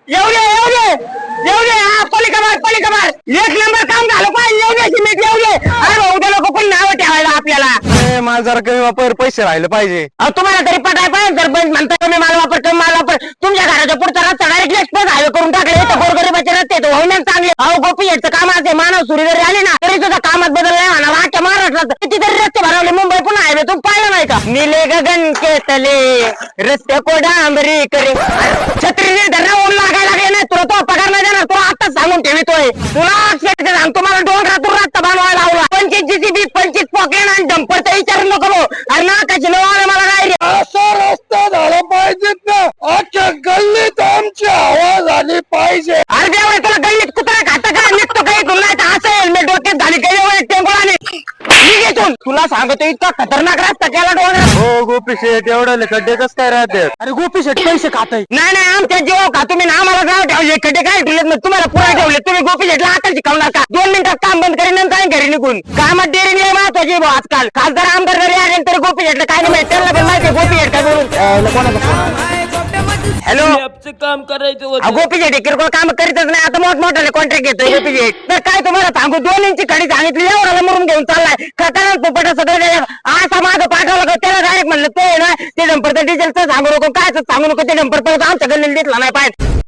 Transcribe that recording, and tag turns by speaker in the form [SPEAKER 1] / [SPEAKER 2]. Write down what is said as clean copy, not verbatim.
[SPEAKER 1] हा पलीकडे एक नंबर काम झालं पाहिजे. येऊ दे सिमेंट येऊ दे. अरे उद्या लोक कोणी नाव ठेवायला आपल्याला.
[SPEAKER 2] मला जरा कमी वापर पैसे राहिले पाहिजे.
[SPEAKER 1] तुम्हाला तरी पटाय पाहिजे सरपंच म्हणता कमी माल वापर. तुमच्या घराच्या पुढचा रस्ता डायरेक्ट एक्सप्रेस हायवे करून टाकले. इथं गोरगरीबाचे रस्ते होईना चांगले. अहो गोपी याचं काम असे मानव सुरी जरी आले ना तरी सुद्धा कामात बदल नाही म्हणा. आजच्या महाराष्ट्रात कितीतरी रस्ते भरवले. मुंबई पुन्हा हायवे तुम्ही पाहिलं नाही का. नीले गगन के तले रस्ते को डांबरी करे. छत्री धरणा ऊन लागायला लागले नाही तुला तो पगार नाही देणार. तुला आताच सांगून ठेवतोय. तुला अक्षरशः सांगतो मला डोंगरातून रस्ता बनवायला लावला. 25 जीसीबी 25 पॉकेट आणि डंपरचा विचार नको भाऊ. अरे ना कशी नवा मला काय रे.
[SPEAKER 2] असा रस्ता झाला पाहिजेत ना. अख्ख्या गल्लीत आमची आवाज आली पाहिजे.
[SPEAKER 1] अरे देवा तुला गल्लीत कुत्रा खाता का निघतो काही तुला नाही तर असं हेल्मेट डोक्यात घाली काही टेंगोळाने निघेतून. तुला सांगतो इतका खतरनाक रस्ता केला डोंगरात.
[SPEAKER 2] हो गोपी शेठ एवढे खड्डे कस काय राहते.
[SPEAKER 1] अरे गोपी शेठ पैसे खाताय. नाही आमच्या जीव का तुम्ही ना आम्हाला गाव ठेवले खड्डे काय ठेवलेत मग तुम्हाला पुरा ठेवले. तुम्ही गोपी शेठला आता शिकवणार का. 2 मिनिटात काम बंद करीन आणि घरी निघून. कामात देरी नाही महत्वाची भाऊ आजकाल. खासदार आमदार घरी आले तरी गोपी शेठला काय नाही माहिती. त्यांना पण माहिती गोपी शेठ काय बोलून. हॅलो
[SPEAKER 3] काम करायचं
[SPEAKER 1] गोपी शेठ किरकोळ काम करीतच नाही. आता मोठमोठ्याने कॉन्ट्रॅक्ट घेतोय गोपी शेठ. तर काय तुम्हाला सांगू 2 इंची खडी सांगितली एवढ्याला मरून घेऊन चाललाय. खतरनाक पोपट सगळं असा माझं पाठवलं का त्याला डायरेक्ट म्हणलं तो ना ते डंपरचं डिझेलचं सांगू नको काय सांगू नको. ते डंपर परत आमच्या गल्लीला दिसला नाही पाहिजे.